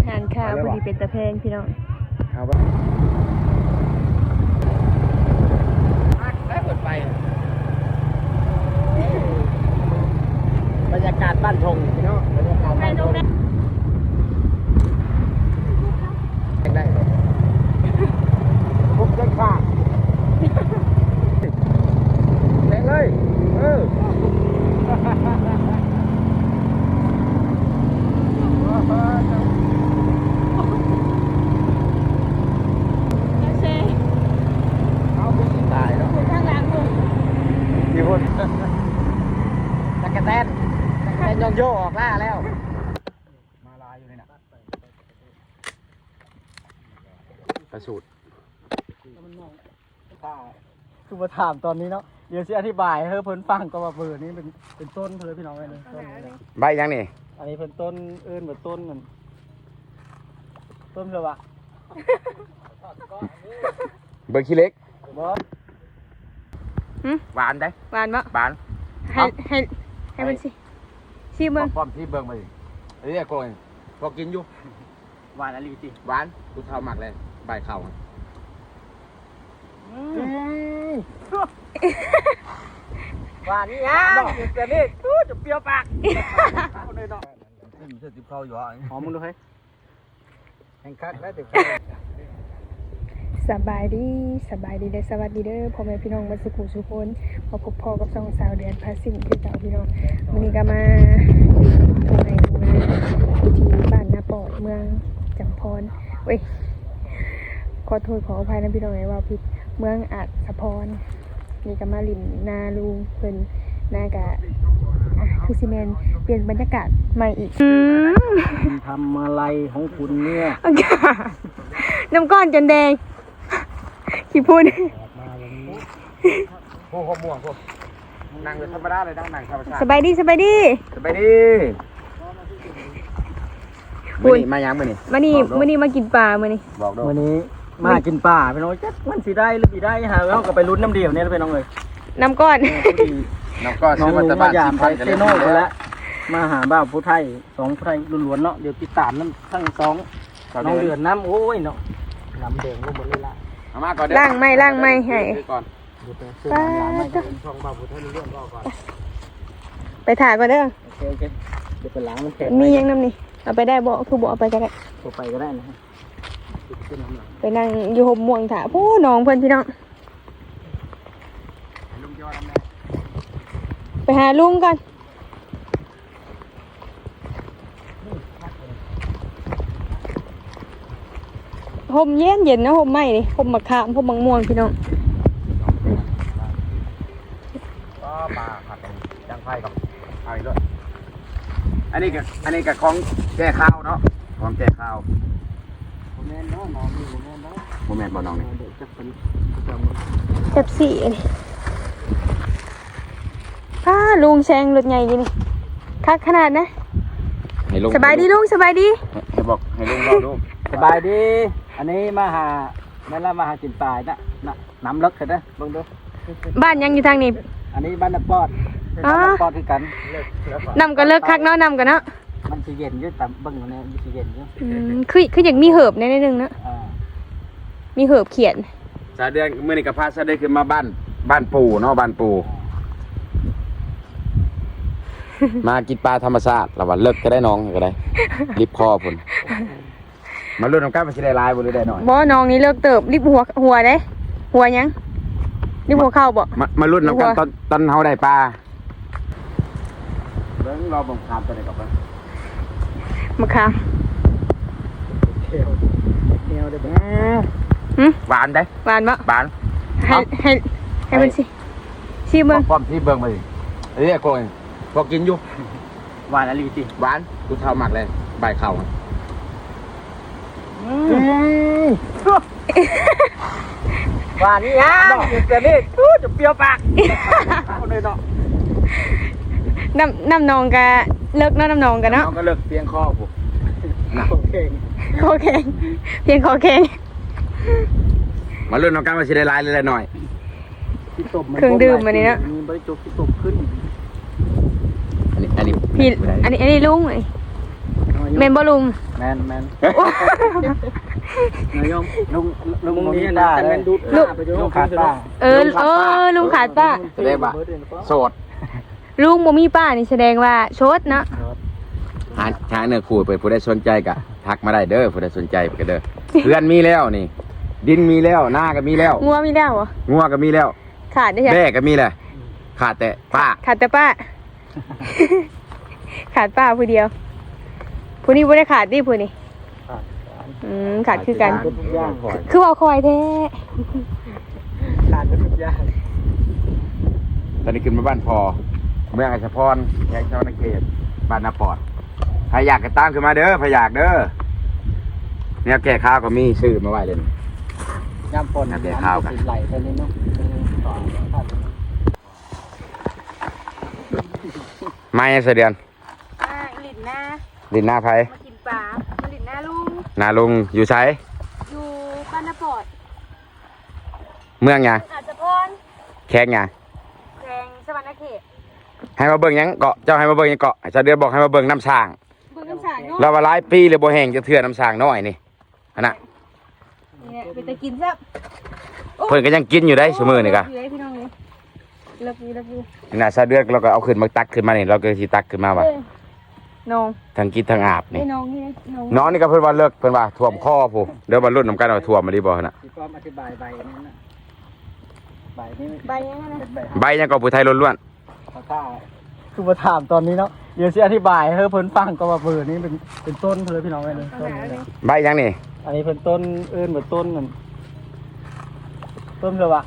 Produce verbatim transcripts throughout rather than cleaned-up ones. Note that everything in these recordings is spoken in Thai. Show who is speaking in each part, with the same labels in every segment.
Speaker 1: งานข้าวพอดีเป็นตะแพงพี่น้อง
Speaker 2: เอาไปได้เปิดไปบรรยากาศบ้านทงพี่น้องบรรยากาศบ้านทงได้ปุ๊บได้ข้าแรงเลยเออตะกะแตนตะกะแตนยองโยออกล่าแล้วมาลายอยู่เลยนะประสูตรคือมาถามตอนนี้เนาะเดี๋ยวสิอธิบายให้เพิ่นฟังก็ว่าเบอร์นี้เป็นเป็นต้นเพิ่นพี่น้องเลยต้นใบยังนี่อันนี้เป็นต้นเอิ้นแบบต้นมันต้นเลยวะเบอร์ขี้เล็กบ่หวานได้
Speaker 1: หวานปะ
Speaker 2: หวาน
Speaker 1: ให้ให้ให้มันสิชิมเบิ้ง
Speaker 2: พร้อมที่เบิ้งมาดิอันนี้โกยพอกินอยู่หวานอะไรจีหวานกูเท่าหมักเลยใบเข่าหวานนี่ฮะแต่นี่จะเปรี้ยวปากคนเลยเนาะนี่เธอติดเข้าอยู่อ่ะหอมมึงดูให้แห้งคักแล้วติดเข้า
Speaker 1: สบายดีสบายดีเด้อสวัสดีเด้อพ่อแม่พี่น้องมาสุขุสุคนมาพบพ่อกับสองสาวเดือนพาสิ่งที่เจ้าพี่น้องวันนี้ก็มาตรงไหนตรงนั้นที่บ้านนาปอดเมืองจำพรเว้ยขอโทษขออภัยนะพี่น้องไงว่าผิดเมืองอัดสะพรนี่ก็มาลินนาลุงเพิ่นนากะคือซีเมนเปลี่ยนบรรยากาศใหม่อีก
Speaker 2: ทำอะไรของคุณเนี่ย
Speaker 1: น้ำก้อนจนแดงขี้พูด
Speaker 2: โอ้โหม่วงพวกนั่งเลยธรรมดาเลยนั่งนั่งธรรมชาติ
Speaker 1: สบายดีสบายดี
Speaker 2: สบายดีมื้อนี้มายังมื้อนี้
Speaker 1: มื้อนี้มื้อนี้มากินปลามื้อนี้
Speaker 2: บอกด้วยมื้อนี้มากินปลาพี่น้องจักมันสิได้หรือสิได้หาแล้วก็ไปลุ้นน้ำเดียวเนี่ยพี่น้องเอ้ย
Speaker 1: น้ำก้อน
Speaker 2: น้ำก้อนซื้อมาจากบ้านสิพันเซโน่ไปแล้วมาหาบ้าผู้ไทยสองผู้ไทยล้วนๆเนาะเดี๋ยวติดตามน้ำทั้งสองน้องเดือนน้ำโอ้ยเนาะน้ำแดงลงหมดเลยละ
Speaker 1: ล่างไม่ล่างไม่ให้ไปไปถ่ายก่อนเด้อ
Speaker 2: โอเคโอเคเดี๋ยวไปล้างมันแข็ง
Speaker 1: มียังน้ำนี่เอาไปได้บ่คือบ่เอาไปก็ได้
Speaker 2: เอาไปก็ได้นะ
Speaker 1: ไปนั่งอยู่ห่มม่วงถ่าผู้น้องเพื่อนพี่น้องไปหาลุงกันห่มเย็นเย็นนะห่มไหมนี่ห่มมะขามห่มมะม่วงพี่น้อง
Speaker 2: ก็ปลาผัดจังไฟกับเอาอีกด้วยอันนี้กับอันนี้กับของแก่ข้าวเนาะของแก่ข้าวโมเมนต์เนาะน้องนี่โมเมนต์เนาะโมเมนต์บ่น้องนี่
Speaker 1: จับสี่นี่อ้าลุงแซงรถใหญ่ดีนี่คักขนาดนะสบายดีลุงสบายดี
Speaker 2: ให้บอกให้ลุงรอดูสบายดีอันนี้มาหาแม่ละมาหาจินตายนะนะน้ำลึกเห็นไหมลองดู
Speaker 1: บ้านยังอยู่ทางนี้
Speaker 2: อันนี้บ้านน้ำปอดบ้านน้ำปอดคือกัน
Speaker 1: นำกันเลิกคักเนาะนำกันเนาะ
Speaker 2: มันสีเย็นอยู่แต่บึ้งเนี่ยมันสีเย็นอยู่
Speaker 1: คือคืออย่างมีเหิบในนิดนึงนะมีเหิบเขียน
Speaker 2: สาเดือนเมื่อนี้กับพาสาเดือนคือมาบ้านบ้านปู่เนาะบ้านปู่มากินปลาธรรมชาติระหว่างเลิกก็ได้น้องก็ได้รีบคอพุ่นมาลุ้นน้ำก้าวมันจะได้ลายบริได้หน่อย
Speaker 1: บ่น้องนี่เลิกเติบรีบหัวหัวได้หัวยังรีบหัวเข้าบ่
Speaker 2: มามาลุ้นน้ำก้าวตอนตอนเขาได้ปลาเบิ้งรอบังคับตัวไหนกับเบิ้ง
Speaker 1: มะขาม
Speaker 2: เที่ยวเที่ยวได้บ้างหวานได้
Speaker 1: หวานปะ
Speaker 2: หวาน
Speaker 1: ให้ให้ให้มันสิชิมเบิ้ง
Speaker 2: พร้อมที่เบิ้งมาดิเอ้ยโกยพอกินอยู่หวานอะไรจีหวานกูเท่าหมักเลยใบเข่าหวานนี่ฮะแต่นี่จะเปรี้ยวปากคนเลยเนาะ
Speaker 1: น้ำน้ำนองกะเลิกเนาะน้ำนองกันเนาะ
Speaker 2: น้องก็เลิกเพียงคอผม
Speaker 1: คอแข็งคอแข็งเพียงคอแข็ง
Speaker 2: มาเรื่องน้องกันมาชิได้ลายเลยหน่อย
Speaker 1: เครื่องดื่มอันนี้เนาะ
Speaker 2: มีบริจบที่ตบขึ้น
Speaker 1: อันนี้อันนี้พี่อันนี้อันนี้ลุงเลย
Speaker 2: น้อย
Speaker 1: แม่นบ่ลุง
Speaker 3: แมนแมนนายมลุงลุงมีป้าเลยลุงขาดป้า
Speaker 1: เออเออลุงขาดป้า
Speaker 2: แสดงว่าโสด
Speaker 1: ลุงบ่มีป้านี่แสดงว่าโชดเนาะ
Speaker 2: หาทางเนื้อคู่เปิดผู้ใดสนใจก็ทักมาได้เด้อผู้ใดสนใจก็เด้อเพื่อนมีแล้วนี่ ดินมีแล้วหน้าก็มีแล้ว
Speaker 1: งัวมีแล้วเหรอ
Speaker 2: งัวก็มีแล้ว
Speaker 1: ขาดได้ใช่
Speaker 2: แม่ก็มีแหละขาดแต่ป้า
Speaker 1: ขาดแต่ป้า ขาดป้าผู้เดียวผู้นี้บ่ได้ขาดดิผู้นี้อืมขาดคือกัน
Speaker 3: ทุกอย่าง
Speaker 1: คือเอาคอยแท้
Speaker 3: ขาดทุกอย่าง
Speaker 2: ตอนนี้ขึ้นมาบ้านพอเมืองอัชพรแยกเจ้านาเขตบ้านนาปอดใครอยากก็ตามขึ้นมาเด้อใครอยากเด้อเนี่ยแก่ข้าวก็มีซื้อมาไว้เลย
Speaker 3: ย่ำปนไหลไปนี่เนาะ
Speaker 2: ไม่เสยเดือน
Speaker 1: อ่าลินหน้า
Speaker 2: ดินหน้าไผ
Speaker 1: มากินปลามาลินหน้าลุง
Speaker 2: นาลุงอยู่ใช้
Speaker 1: อยู่บ้านนาปอด
Speaker 2: เมืองไง
Speaker 1: อาจจะพร
Speaker 2: แข้งไง
Speaker 1: แขงสวรรณเขต
Speaker 2: ให้มาเบิ่งหยังเกาะเจ้าให้มาเบิ่งหยังเกาะเจ้าเดือนบอกให้มาเบิ่งน้ำช้าง
Speaker 1: เบิ่งน้ำสางเนาะ
Speaker 2: เราว่าหลายปีเลยบ่แห้งจะเถื่อน้ำช้างน้อยนี่อันน่ะ
Speaker 1: นี่แหละไปแต่กินซะ
Speaker 2: เพิ่นก็ยังกินอยู่ได้ชั่วมือนี่กะ
Speaker 1: อยู่ได้พี่น้องนี่เลิกอยู่เลิกอยู่
Speaker 2: นี่น่ะซาเดือนเราก็เอาขึ้นมาตักขึ้นมานี่เราก็สิตักขึ้นมาว่า
Speaker 1: เอ้ยน้อง
Speaker 2: ทั้งกินทั้งอาบนี่
Speaker 1: ไอ้น้องนี่นะน้อง
Speaker 2: น้องนี่ก็เพิ่นว่าเลิกเพิ่นว่าท่วมคอผู้เดี๋ยวบรรลุนำกันว่าท่วมมาดีบ่หั่นน่ะ
Speaker 3: พี่ป้อมอธิบายใบนี้นะใบนี้
Speaker 1: ใบยังไงนะ
Speaker 3: เป็นใบ
Speaker 2: ใบยังก็ผู้ไทยล้วน
Speaker 3: เขาท่าคือมาถามตอนนี้เนาะเดี๋ยวสิอธิบายให้เพิ่นฟังก็ว่าเบอร์นี้เป็นเป็นต้นเพิ่นพี่น้องเลยต้นนี้
Speaker 2: ๆใบยังนี่
Speaker 3: อันนี้เป็นต้นเอิ้นเหมือนต้นนั่นต้นเลยวะ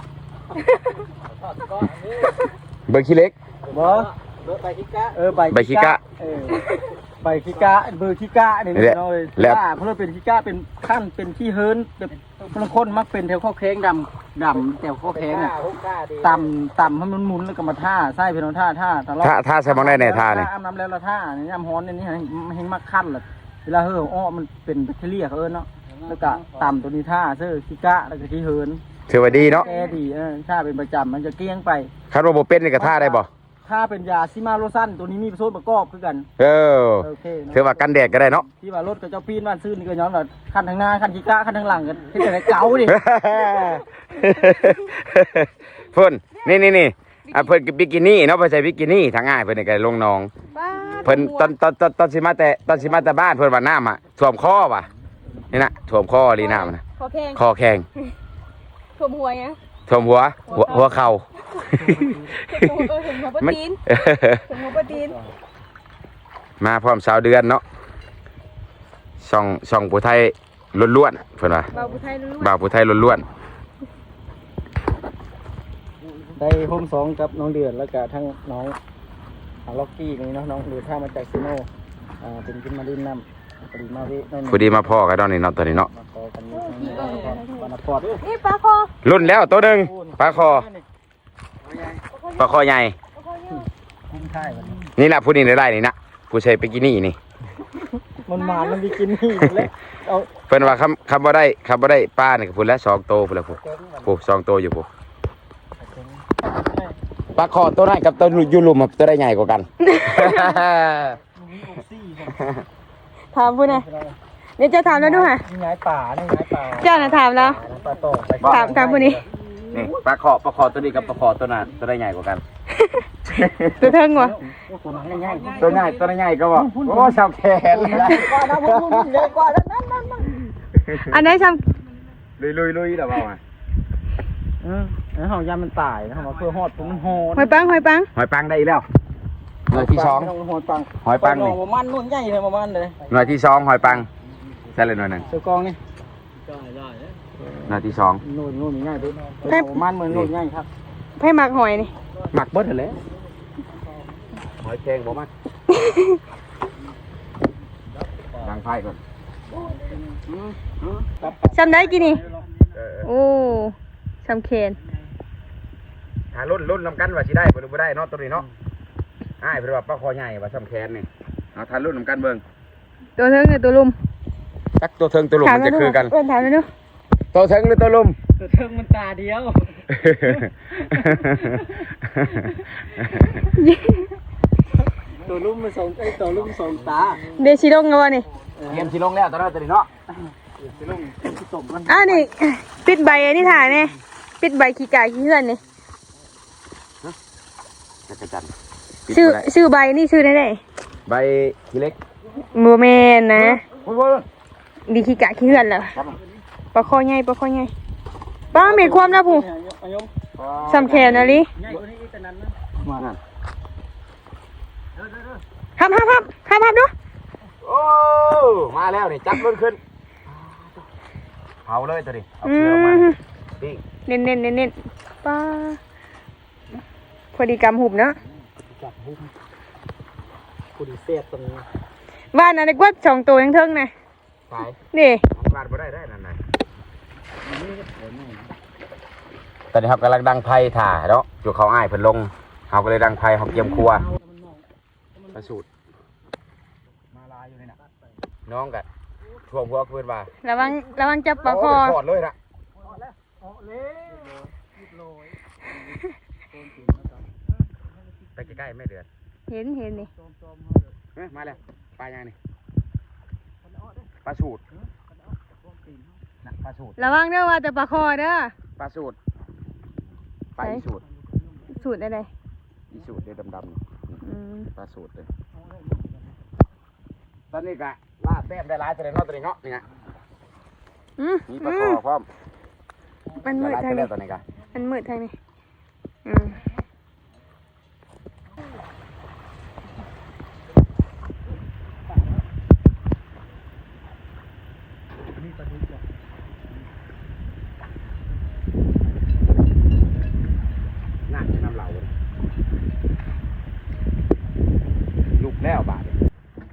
Speaker 2: เบิ่งขี้เล็ก
Speaker 3: บ่ใบขี้กะเออใบ
Speaker 2: ใบขี้กะ
Speaker 3: เออใบขี้กะเบอร์ขี้กะนี่
Speaker 2: นี่แหละ
Speaker 3: เนาะเลย
Speaker 2: แล้ว
Speaker 3: เพราะว่าเป็นขี้กะเป็นขั้นเป็นขี้เฮิร์นแบบบางคนมักเป็นแถวข้อแข้งดำดำแถวข้อแข้งอ่ะต่ำต่ำให้มันหมุนแล้วก็มาท่าไส้พี่น้องท่าท่าตลอด
Speaker 2: ถ้าถ้าใส่มองได้ในท่านี่
Speaker 3: อาบน้ำแล้วละท่านี่น้ำฮ้อนนี่นี่ให้มักขั้นเลยเวลาเห่ออ้อมันเป็นแบคทีเรียเขาเอิ้นเนาะแล้วก็ต่ำตัวนี้ท่าเสื้อขี้กะแล้วก็ขี้เฮิร์น
Speaker 2: ถือว่าดีเนาะ
Speaker 3: แก้ดีเออถ้าเป็นประจำมันจะเกลี้ยงไป
Speaker 2: คันว่าบ่เป็นนี่ก็ท่าได้บ่
Speaker 3: ถ้าเป็นยาซิมาโลซันตัวนี้มีส่วนประกอบคือกัน
Speaker 2: เออ
Speaker 3: โอเคเนะ
Speaker 2: ถือว่ากันแดดก็ได้เนาะ
Speaker 3: ที่ว่ารถกับเจ้าปีนบ้านซื้อนี่ก็ย้อนว่าคันทางหน้าคันขี้กะคันทางหลังกันที่ไหนเก๋าดิ
Speaker 2: เพิ่นนี่นี่นี่อ่ะเพิ่นก็บิกินี่เนาะเพิ่นใส่บิกินี่ทางง่ายเพิ่นนี่ก็ลงหนอง
Speaker 1: บ้า
Speaker 2: เพิ่นตอนตอนตอนตอนสิมาแต่ตอนสิมาแต่บ้านเพิ่นว่าน้ำอ่ะท่วมคอว่ะนี่นะท่วมคอลีน้ำนะ
Speaker 1: ขอแข่ง
Speaker 2: คอแข็ง
Speaker 1: ถ่วมหัวยัง
Speaker 2: ท่วมหัวหัวหัวเข่า
Speaker 1: ถ่วมเออถ่วมหัวปะ
Speaker 2: มัน
Speaker 1: ตีนถ่วมหัวปะตีน
Speaker 2: มาพร้อมสาวเดือนเนาะช่องช่องผู้ไทยล้วนๆเพิ่นว่า
Speaker 1: เบาผู้ไทยรู้
Speaker 2: บ่าวผู้ไทยล้วน
Speaker 3: ได้พมสองกับน้องเดือนแล้วก็ทั้งน้องล็อกกี้นี่เนาะน้องเดือนท่ามาจากซีโน่อ่าเป็นขึ้นมาดินน้ำพอดีมาวิน้อง
Speaker 2: ๆผู้ดีมาพ่อกันตอนนี้เนาะตอนนี้เนาะ
Speaker 3: มาขอกันนี่วันนพอด
Speaker 1: นี่ปลาคอ
Speaker 2: รุ่นแล้วตัวหนึงปลาคอปลาคอใหญ่
Speaker 1: ปลาคอเยอะ
Speaker 3: คุ้มค่ายวันนี้
Speaker 2: นี่ล่ะผู้นี้ได้ๆนี่นะผู้ใช้บิกินี่นี่
Speaker 3: มันหมานมันมีกินนี่เลยเอา
Speaker 2: เพิ่นว่าคำคำบ่ได้คำบ่ได้ป้านี่ก็พูดแล้วสองโตพุ่นแล้วพูดพูดสองโตอยู่พูดปลาคอตัวนั้นกับตัวอยู่หลุมอะตัวได้ใหญ่กว่ากัน
Speaker 1: ถามพูดนะเดี๋ยวจะถามแล้วดูค่ะ
Speaker 3: นี่ไงป่านี่ไงป่า
Speaker 1: เจ้าน่ะถามแล้ว
Speaker 3: ป่าโตไป
Speaker 1: ถามถามพูดนี้
Speaker 2: นี่ปลาคอปลาคอตัวนี้กับปลาคอตัวนั้นตัวได้ใหญ่กว่ากัน
Speaker 1: ตัวเทิงวะ
Speaker 3: ตัวนั้นง่าย
Speaker 2: ตัวใหญ่ตัวใหญ่ก็บอกโอ้ชาวแขน
Speaker 3: ๆกว่านะพวกคุณใหญ่กว่านั้นนั่นนั่นนั่น
Speaker 1: อันไหนท
Speaker 2: ลุยลุยลุยเดี๋ยวเอามา
Speaker 3: เออแล้วเขายามันตายนะเขาเพื่อหอดผมมันหอ
Speaker 1: ำหอยปังหอยปัง
Speaker 2: หอยปังได้อีกแล้วหน่วยที่สอง
Speaker 3: หอยปัง
Speaker 2: หอยปังนี่
Speaker 3: ประมาณนู่นใหญ่เลยประมาณเลย
Speaker 2: หน่วยที่สองหอยปังใช่เลยหน่วยหนึ่ง
Speaker 3: เสือกองนี่
Speaker 2: หน่วยที่สอง
Speaker 3: นู่นนู่นง่ายด้วยประมาณเหมือนนู่นง่ายครับ
Speaker 1: ไผ่หมักหอยนี่
Speaker 2: หมักเบิดเลยหอยแกงบ่มักดังไฟก่อน
Speaker 1: จำได้กี่นี่โอ้จำเคน
Speaker 2: หารุ่นรุ่นนำกันว่าสิได้บ่หรือบ่ได้เนาะตัวนี้เนาะอ้ายเพิ่นว่าปลาคอใหญ่ว่าซ้ำแขนนี่เอาทานรุ่นนำกันเบิ่ง
Speaker 1: ตัวเทิงหรือตัวลุม
Speaker 2: จักตัวเทิงตัวลุมมันจะคือกัน
Speaker 1: เอิ้นถามแล้วดู
Speaker 2: ตัวเทิงหรือตัวลุม
Speaker 3: ตัวเทิงมันตาเดียวตัวลุ่มมันสองไอ้ตัวลุ่มสองตา
Speaker 1: เดชิลงแล้ววะนี่
Speaker 2: เกมสิลงแล้วตอนนั้นตอนนี้เนาะ
Speaker 3: ตัวลุ่มที่ตบมัน
Speaker 1: อ้าวนี่ปิดใบอันนี้ถ่ายเนี่ยปิดใบขี้กายขี้เหือนนี่
Speaker 2: จักรจันทร์
Speaker 1: ชื่อชื่อใบนี่ชื่อได้ไหน
Speaker 2: ใบขี้เล็ก
Speaker 1: โมเมนนะ
Speaker 2: โอ้ยโอ้ย
Speaker 1: ดีขี้กายขี้เหือนเหรอ
Speaker 2: ครับ
Speaker 1: ปลาคอใหญ่ปลาคอใหญ่ป้าเมีความนะผู้สำแขนอะไร
Speaker 3: ใหญ่กว่านี้แต่นั้นนะ
Speaker 2: มานั่น
Speaker 1: ห้ามห้ามห้ามห้ามห้ามดู
Speaker 2: โอ้มาแล้วนี่จับรถขึ้นเผาเลยตัวนี้เอา
Speaker 1: อื
Speaker 2: เชือกมัน
Speaker 1: ม
Speaker 2: ปิ้ง
Speaker 1: เน้นเน้นเน้นเน้นป้าพอดีกำหุบเนาะ
Speaker 3: จับหุ้มกูดีเสียตรงนี้
Speaker 1: บ้านอะไรกว่าสองตัวยังเทิงนะ
Speaker 2: สาย
Speaker 1: นี่
Speaker 2: วาดบ่ได้ได้นั่นน่ะตอนนี้ครับกำลังดังไพ่ถ่าเนาะอยู่เขาอ้ายเพิ่นลงเขาก็เลยดังไพ่เขาเกียมครัวประสูตรมาลายอยู่นี่น่ะน้องกันท่วมหัวเพิ่นว่า
Speaker 1: ระวังระวังจับปลาคอ
Speaker 2: โยถอดเลยน่ะไปใกล้ๆไม่เดือด
Speaker 1: เห็นเห็นนี่
Speaker 2: เอ้ยมาแล้วปลายังนี่ปลาสูตรน่ะปลาสูตร
Speaker 1: ระวังเด้อว่าแต่ปลาคอเด้อ
Speaker 2: ปลาสูตรปลาอีสูตร
Speaker 1: สูตรอะไร
Speaker 2: อีสูตรเด้ดำๆ
Speaker 1: อืม
Speaker 2: ปลาสูตรเลยตอนนี้กะลาดแต้มได้หลายตัวเลยเนาะตัวนี้เนาะนี่ไง
Speaker 1: อืม
Speaker 2: มีปลา
Speaker 1: อื
Speaker 2: คอ
Speaker 1: ม
Speaker 2: พร้อม
Speaker 1: มันมืด
Speaker 2: ได้หลาย
Speaker 1: ทาง
Speaker 2: ตัวแล้
Speaker 1: นี้
Speaker 2: วตัวนี้กะ
Speaker 1: มันมืดทางนี้อืม
Speaker 2: น่าจะน้ำเหลาเลยลุกแล้วบาดเนี่ย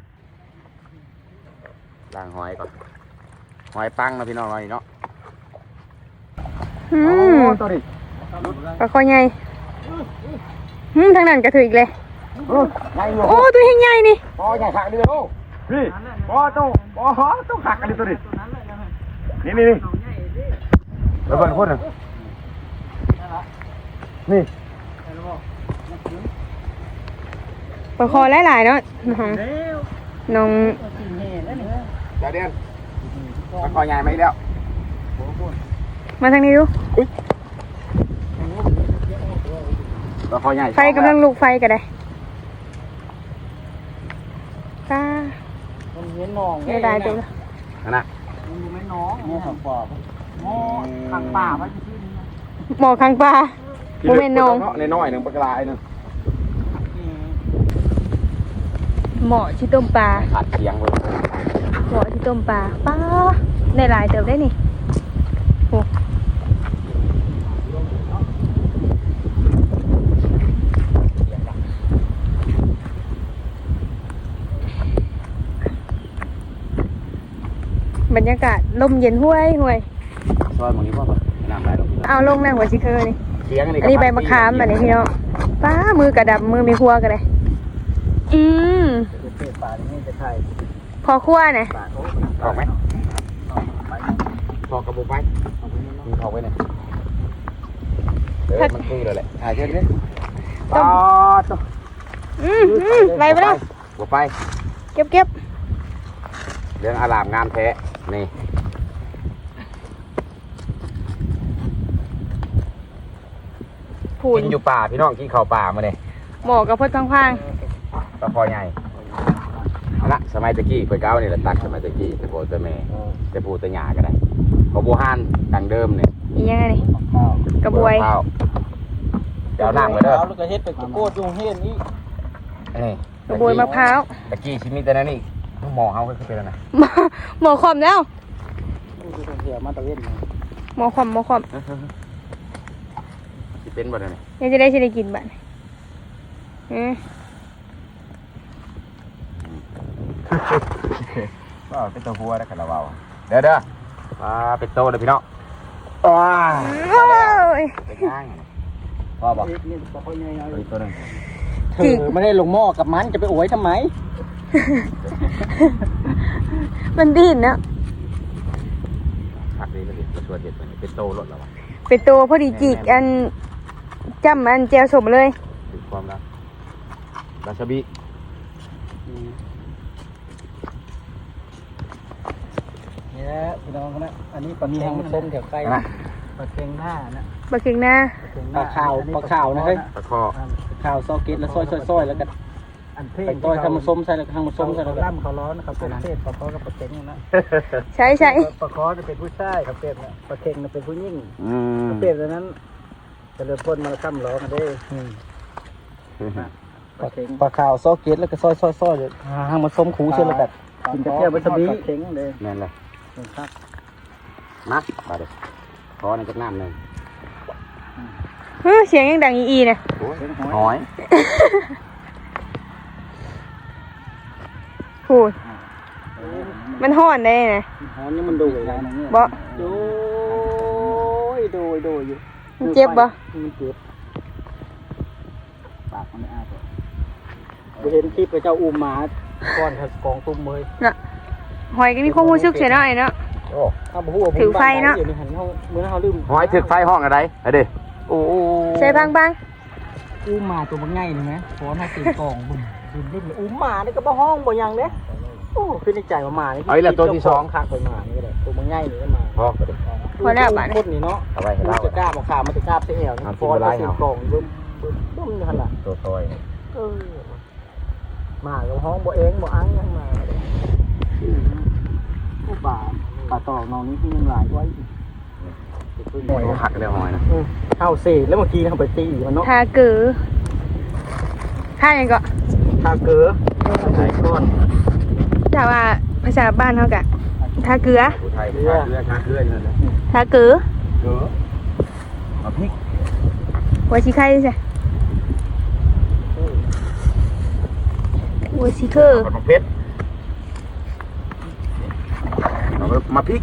Speaker 2: ล้างหอยก่อนหอยปังนะพี่น้องหน่อยเนาะ
Speaker 1: อื
Speaker 2: โอ้
Speaker 1: ม
Speaker 2: ตัวนี้
Speaker 1: ปลาคอใหญ่อืมทางนั้นกระถืออีกเลย
Speaker 2: โอ้ใหญ่หัว
Speaker 1: โอ้ตัวใหญ่ๆนี่
Speaker 2: ปอใหญ่ขักเลยโอ้พี่ปอโตปอฮอต้องขักกันเลยตัวนี้นี่นี่นี่ระเบิดคนหนึ่งนี่
Speaker 1: ปลาคอหลายๆเนาะน้องน้อง
Speaker 2: เดี๋ยวเดียนปลาคอใหญ่ไหมแล้ว
Speaker 1: มาทางนี้ดู
Speaker 2: ปลาคอใหญ่
Speaker 1: ไฟกำลังลุกไฟกันได้ตา
Speaker 3: มันเห็นน้อง
Speaker 1: ไม่ได้ตัวละ
Speaker 2: นั่นน่ะ
Speaker 3: มันอยู่ไม่น้องหม้อขังป่าหม้อขังป่าไว้ที่นี่นะ
Speaker 1: หมอข้างปลาโมเมนต์น้อง
Speaker 2: ในน้อยหนึ่งปลากรายหนึ่ง
Speaker 1: หมอที่ต้มปลา
Speaker 2: ขาดเคียงเลย
Speaker 1: หมอที่ต้มปลาป้าในหลายเติบได้นี่โอ้บรรยากาศลมเย็นห้วยห้วย
Speaker 2: ซอยหมองนี้พ่อป่ะน้ำไหลลง
Speaker 1: เอาลงนั่งหัวชิเคอร์นี่
Speaker 2: เคียงอันนี้
Speaker 1: อันนี้ใบมะขามแบบนี้พี่น้องป้ามือกระดับมือมีครัวกันเลยอืม
Speaker 3: เทป่าที่นี่จะใช่
Speaker 1: พอครัวนะ
Speaker 3: ป่าโอ้
Speaker 2: ออกไหมพอกระบุกไหมมีพอไว้เนี่ยเออมันคือเลยแหละถ่ายเช่นนี้ต่อต่อ
Speaker 1: อืมอืมไปไปแล้ว
Speaker 2: หัวไป
Speaker 1: เก็บเก็บ
Speaker 2: เรื่องอารามงามแท้นี่
Speaker 1: ผูน
Speaker 2: กินอยู่ป่าพี่น้องกินข้าวป่ามาเนี่ย
Speaker 1: หมอกับพดพังพัง
Speaker 2: ปลาคอใหญ่เอาละสมัยตะกี้เปิดเก้านี่แหละตักสมัยตะกี้แต่โบแต่แม่แต่ปูแต่หยาก็ได้พอบูฮานดังเดิมเนี่ย
Speaker 1: อียังไงนี่กระบวย
Speaker 2: ข้าวเดี๋ยวน้ำมาเด้อ
Speaker 3: แล้วก็เฮ็ดไปโคตรยุงเฮ็ดนี่
Speaker 2: นี่
Speaker 1: กระบวยมะพร้าว
Speaker 2: ตะกี้ชิมิแต่นั่นนี่หมอเขาคือเป็นอะไร
Speaker 1: หมอหมอขอมแล้ว
Speaker 3: ดูเสียมาตะเวน
Speaker 1: หมอขอมหมอขอม
Speaker 2: สิเป็นบ่ได้นี่
Speaker 1: ยังจะได้ชิได้กินบ้านเออ
Speaker 2: ก็เป็นตัวหัวได้ขนาดเบาเด้อเด้อมาเป็นโตเลยพี่น้องว้า
Speaker 1: โอ้ย
Speaker 2: เป็นย่างพ่อบอก
Speaker 3: นี่ปลาคอใหญ่
Speaker 2: อีกตัวหนึง
Speaker 3: เธอไม่ได้ลงหม้อกับมันจะไปโอยทำไม
Speaker 1: มันดิ้นนะ
Speaker 2: ผักนี้มันดิมาชวนเด็ดมันเป็นโตรถแล้ววะ
Speaker 1: เป็นตัวพอดีจีกอันจำอันแจวสมเลย
Speaker 2: ถึงความรักวาซาบิ
Speaker 3: นี่แหละพี่น้องนะอันนี้ปลาเค็งส้มแถวใกล้ปลาเค็งหน้านะ
Speaker 1: ปลาเค็งหน้า
Speaker 3: ปลาขาวปลาขาวนะเฮ้ย
Speaker 2: ปลาคอ
Speaker 3: ปลาขาวซอเกตแล้วซอยซอยซอยแล้วก็อันเทศต้อยทำมันส้มใส่แล้วก็ทำมันส้มใส่แล้วก็ล่ำเขาร้อนนะครับเป็นเทศปลาคอกับปลาเค็งนะ
Speaker 1: ใช่ใช่
Speaker 3: ปลาคอจะเป็นผู้ชายกับเป็ดเนี่ยปลาเค็งจะเป็นผู้หญิง
Speaker 2: อืม
Speaker 3: เป็ดตัวนั้นจะเริ่มพ่นมาค้ำล้อกันได้ปลาเค็งปลาขาวซอเกตแล้วก็ซอยซอยซอยเลยทำมันส้มคูเช่นแล้วกันกินกระเทียมวัตบีเค็งเลย
Speaker 2: แม่นเลย
Speaker 3: ครับ
Speaker 2: มาบาดเด็กคอในจักน้ำหนึ่ง
Speaker 1: เฮ้ยเสียงยังดังอีอีเนี่ย
Speaker 2: หอย
Speaker 1: พูดมันห่อนได้นะ
Speaker 3: หอมนี่มันดูเลยนะเนี่ย
Speaker 1: บ่
Speaker 3: โดยโดยโดยอยู่
Speaker 1: มันเจ็บบ่
Speaker 3: มันเจ็บปากมันไม่อ้าตัวเห็นคลิปพระเจ้าอุ้มหมาก้อนกองตุ้มเลย
Speaker 1: น่ะหอยก็มีความรู้สึกเสียหน่อยเนาะ
Speaker 2: โอ้
Speaker 3: ถ้าบ่ฮู้ว่า
Speaker 1: ถือไฟเนาะ
Speaker 3: อยู่ในหันเขาเมื่อเขาลืม
Speaker 2: หอยถึกไฟห้องอะไรไอ้เด้โอ้โห
Speaker 1: ใช่บางบาง
Speaker 3: อุ้มหมาตัวมันง่ายนี่ไหมขอมาตีกองบุญบุญบุญอุ้มหมานี่ก็บ่ห้องบ่หยังเด้โอ้คือในใจว่าหมานี่
Speaker 2: เอาอีกแล้วตัวที่สอง
Speaker 3: คักไปหมานี่ก็ได้ตัวมันง่ายนี่ก็มา
Speaker 2: พอไปเด็ก
Speaker 1: พอแล้วบาด
Speaker 3: คนนี่เนาะ
Speaker 2: เอาไว้ให้เรา
Speaker 3: จะกล้าบ่ขามันจะกล้าเสียแอวนี่
Speaker 2: เอา
Speaker 3: ฟอน
Speaker 2: สิบ่ไล่
Speaker 3: ก็เสีย
Speaker 2: เอา
Speaker 3: กองบึ้มบึ้มบึ้มนี่หั่นล่ะ
Speaker 2: ตัวซอย
Speaker 3: เออหมาก็ห้องบ่เองบ่อังยังมาผู้ป่าป่าตอกน้องนี้ที่ยังหลายไว้
Speaker 2: หอยหักเลยหอยนะ
Speaker 3: เข้าเซ่แล้วเมื่อกี้เขาไปตีมันเนาะ
Speaker 1: ทาเกือท่ายังก็
Speaker 3: ทาเกลือใส่ก้อน
Speaker 1: ถ้าว่าภาษาบ้านเขากะทาเกลือ
Speaker 2: ผู้ไทยผู้ไทยเรือชาเกลือนี่แหละ
Speaker 1: ทาเกือ
Speaker 2: เกลือมาพริก
Speaker 1: หัวชิไข่ใช่หัวชิเคอร์
Speaker 2: กับมะเพชรมาพริก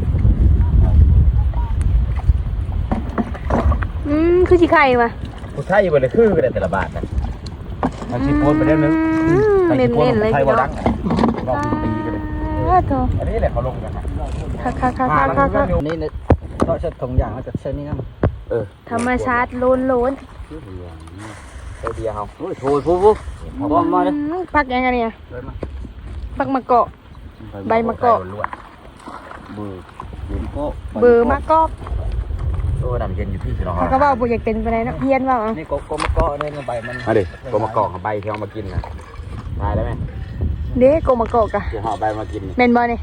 Speaker 1: อืมคือชิไข่มา
Speaker 2: ผู้ไทยอยู่บนเลยคือกันแต่ละบาทนะมันชิโพนไปเรื่อยนึง
Speaker 1: เน้นๆเลย
Speaker 2: ไทย
Speaker 1: พี่
Speaker 2: ว่า
Speaker 1: น้อ
Speaker 2: ดั
Speaker 1: ง
Speaker 2: งรอบปีกันเลย
Speaker 1: อ้าวโถ
Speaker 2: อันนี้แหละเขาลงกัน
Speaker 1: คักคักคักคักคักคัก
Speaker 3: นี่เนี่ยก็จะถงอย่างมาจากเชนี่นั่น
Speaker 2: เออ
Speaker 1: ธรรมชาติโล้นโล้น
Speaker 2: เดียวเขา
Speaker 3: โอ้ยโถยปุ๊บปุ๊บพร้อมมาเลย
Speaker 1: อืมพักยังไงเนี่ยพักมะเกาะ ใบมะกอก
Speaker 2: มือ
Speaker 1: เบอร์มะกอก
Speaker 2: โอ้ดำเย็นอยู่พี่สิน้อง
Speaker 1: เขาก็ว่าบุอยากเป็นไปไหนเนาะเพี้ยนว่าเอา
Speaker 3: นี่โกโกมะกอกเนี่ยใบมัน
Speaker 2: มาดิก็มากอกกับใบที่เอามากินนะตายได้ไหม
Speaker 1: เด้โกมะกอกอะ
Speaker 2: เดี๋ยวห่อใบมากิน
Speaker 1: เมนบอเนี่ย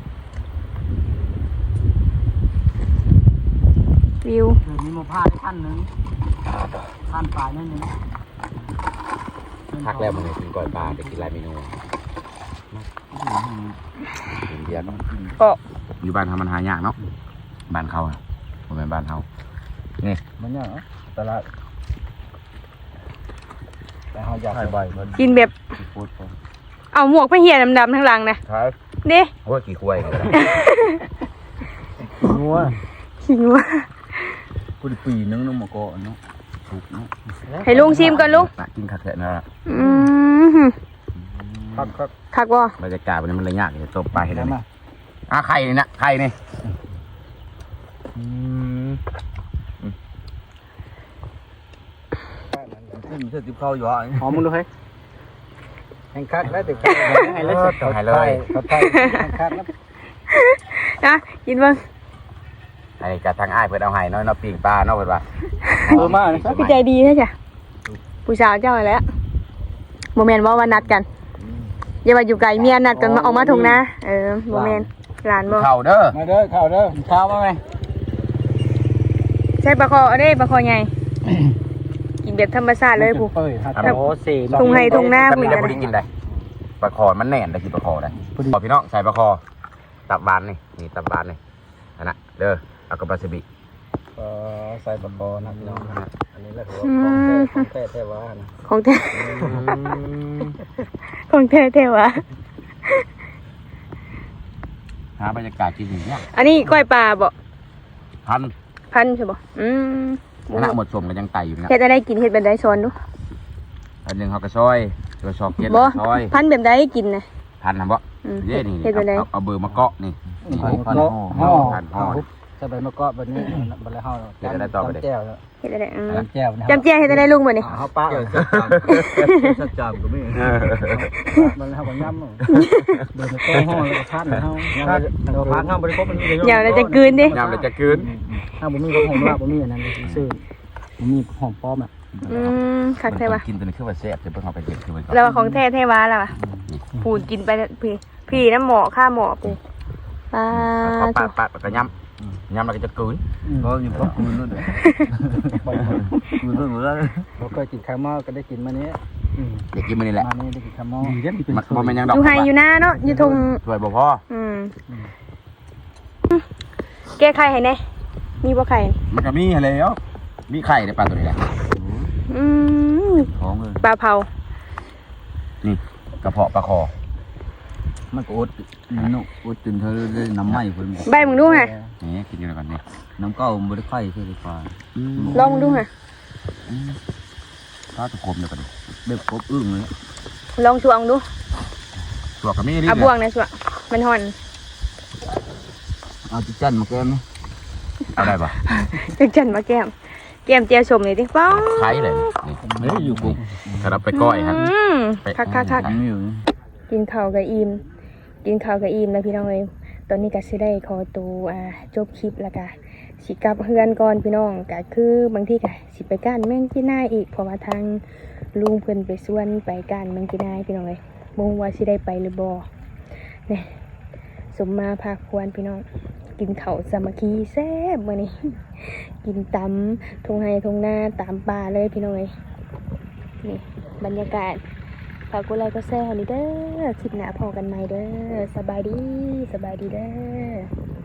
Speaker 1: วิว
Speaker 3: มีมะพร้าวได้ขั้นหนึ่งขั้นปลายนั่นนึง
Speaker 2: พักแล้วมันเลยกินก่อยปลาจะกินหลายเมนูกินเดียวเนาะ
Speaker 1: เกาะ
Speaker 2: อยู่บ้านทำมันหายากเนาะบ้านเขาอะผมเป็นบ้านเขานี่
Speaker 3: มันเนี่ยตลาดแต่เขาอยากใบมัน
Speaker 1: กินแบบ
Speaker 2: พูด
Speaker 1: เอาหมวกไปเหี่ยดำๆทั้งหลังนะ
Speaker 2: ครับ
Speaker 1: เด้
Speaker 2: โอ้ยกี่ควยกัน
Speaker 3: งัว
Speaker 1: ขิงว่า
Speaker 3: กูปีนึงนึงมะกอกเนาะ
Speaker 2: ถูกเนาะ
Speaker 1: ให้ลุงชิมก่อนลุง
Speaker 2: กินขัดแทะนะ
Speaker 1: อืม
Speaker 3: ครับครับ
Speaker 1: คักว่า
Speaker 2: บรรยากาศวันนี้มันเลยยากเลยตบไปให้ได้ไหมอ่ะไข่นี่นะไข่นี่
Speaker 3: ขึ้นเสื้อติบเข้าอยู่อ่ะหอมมึงดูให้แข่งคักแล้วติบให้เลย
Speaker 2: ต้องให้เลย
Speaker 3: เขาไทยแข่งคักแล้ว
Speaker 1: นะกินบ้าง
Speaker 2: ไอ้กะทางอ้ายเพิ่นเอาให้น้อยเนาะปิ้งปลาเนาะเพิ่นว่า
Speaker 3: เออมาเลย
Speaker 1: พี่ใจดีนะจ๊ะผู้สาวเจ้าอะไรแล้วโมเมนต์ว่าวันนัดกันอย่าว่าอยู่ไกลเมียนัดกันมาออกมาถุงนะเออโมเมนต์หลานบ่
Speaker 2: เข่าเด้อ
Speaker 3: มาเด้อเข้าเด้อข้าวมาไหม
Speaker 1: ใช่ปลาคอเด้ปลาคอใหญ่กินแบบธรรมชาติเลยผู้
Speaker 3: เอ้ยฮัลโหลสี่
Speaker 1: ตรงไหนตรงหน้า
Speaker 2: ถ้า
Speaker 1: ผู้
Speaker 2: มี
Speaker 1: ให
Speaker 2: แต่
Speaker 1: ญ่
Speaker 2: บ่ได้กินได้ปลาคอมันแน่นได้กินปลาคอได้ขอพี่น้องใส่ปลาคอตับบานนี่นี่ตับบานนี่อันน่ะเด้อเอากับปลาซิบิ
Speaker 3: เออใส่ปลาคอนะพี่น้องนะอันนี้แหละถือว่าของแท้ของแท้แท้ว่านะ
Speaker 1: ของแท้ของแท้แท้วะ
Speaker 2: หาบรรยากาศกินอย่างเงี้ย
Speaker 1: อันนี้ก้อยปลาบ่
Speaker 2: พัน
Speaker 1: พันใช่บ่อืม
Speaker 2: คณะหมดสมกันยังไตอยู่นะ
Speaker 1: เฮ็ดอะไรกินเฮ็ดแบบใดสอนดู
Speaker 2: อันหนึ่งเขากระซอยตัวชอบเก็ด
Speaker 1: บ่
Speaker 2: ซอย
Speaker 1: พันแบบใดกินนะ
Speaker 2: พันนะบ่
Speaker 1: อืม
Speaker 2: เย่นี่
Speaker 1: เฮ็ดแบบใด
Speaker 2: เอาเอาเบอร์มาเกาะนี่นี่
Speaker 3: พัน
Speaker 2: พัน
Speaker 3: ห่อ
Speaker 2: พันห่อ
Speaker 3: ใส่ใบมะกอกแบบนี้บัดแล้วเฮาจำแจ่ว
Speaker 1: เฮ็ดอะไรอืม
Speaker 3: จำแจ่ว
Speaker 1: จำเจียเฮ็ดอะไรลุงบ่นี่
Speaker 3: เฮาปะสัจจำก็มีบัดแล้วเฮาก็ย่ำเบิ่งก็ห้องแล้วก็ทานเฮาเราพักเฮาบ่ได้ครบมัน
Speaker 1: เดี๋ยวเราจะกลืนดิ
Speaker 2: ยามเราจะคืน
Speaker 3: ถ้าบ่มีก็หอมลาบบ่มีอันนั้นซื่อบ่มีหอมป้อมอ่ะ
Speaker 1: อืมคักแท้ว่ะ
Speaker 2: กินตัวนี้คือว่าแซ่บจะเพิ่งเอาไปเก็บคือมัน
Speaker 1: แล้วว่าของแท้แท้ว้าล่ะว่ะพูดกินไปพี่พี่น้ำหมอค่าหมอปูปลา
Speaker 2: เขาปาดปาดแล้วก็ย้ำย้ำแล้วก็จะคืน
Speaker 3: ก็อยู่ก็คืนนั่นแหละคืนนั่นหมดแล้วบ่เคยกินข้าวหม้อก็ได้กินมานี้
Speaker 2: เด็กกินมันนี่แหละ
Speaker 3: มานี่ได้กินข้าวหม้อ
Speaker 2: มันบ่แม่นยังดอก
Speaker 1: อยู่ไฮอยู่หน้าเนาะอยู่ทง
Speaker 2: ช่วยบ่พอ
Speaker 1: อืมแก้ไขให้แน่มีบ่ไข่
Speaker 2: มันก็มีแล้วมีไข่ในปลาตัวนี้แหละ
Speaker 1: อืม
Speaker 2: ท้องเลย
Speaker 1: ปลาเผา
Speaker 2: นี่กระเพาะปลาคอ
Speaker 3: มันก็อดมันนุอดจนเธอได้น้ำไหม้เพิ่น
Speaker 1: ใบมึงดูไง
Speaker 2: นี่กินกันก่อนนี่
Speaker 3: น้ำเก้าบ่ได้ไข่คือฟ้า
Speaker 1: ลองมึงดูไง
Speaker 2: ถ้าตะคมเนี่ยก็ดี
Speaker 3: เด็กครบอึ้งเลย
Speaker 1: ลองชวงดู
Speaker 2: ตัวก็มีนี่
Speaker 1: เอาบ่วงนะชวงมันห่อน
Speaker 3: เอาจิจันมาแก้ม
Speaker 2: เอาได้ปะ
Speaker 1: จังจันมาแก้มแก้มเจียวชมนี่ดิป้อง
Speaker 2: ไข่เลยนี่
Speaker 3: ไม่ได้อยู่กู
Speaker 2: ถ้าเราไปก้อยฮะ
Speaker 1: อืมคักคักคัก
Speaker 3: ไม่อยู่
Speaker 1: กินข้าวกับอิ่มกินข้าวกับอิ่มนะพี่น้องเอ้ยตอนนี้ก็สิได้ขอตัวอ่าจบคลิปแล้วก็สิกลับเฮือนก่อนพี่น้องก็คือบางทีก็สิไปก้านแมงจีน่าอีกเพราะว่าทางลุงเพิ่นไปส่วนไปก้านแมงจีน่าพี่น้องเอ้ยบ่ฮู้ว่าสิได้ไปหรือบ่เนี่ยสมมาภาคควรพี่น้องกินข้าวสามัคคีแซ่บมื้อนี้ กินตำทงไห้ทงนาตามป่าเลยพี่น้องเอ้ยนี่บรรยากาศฝากกดไลค์กดแชร์ให้นี่เด้อคลิปหน้าพอกันใหม่เด้อสบายดีสบายดีเด้อ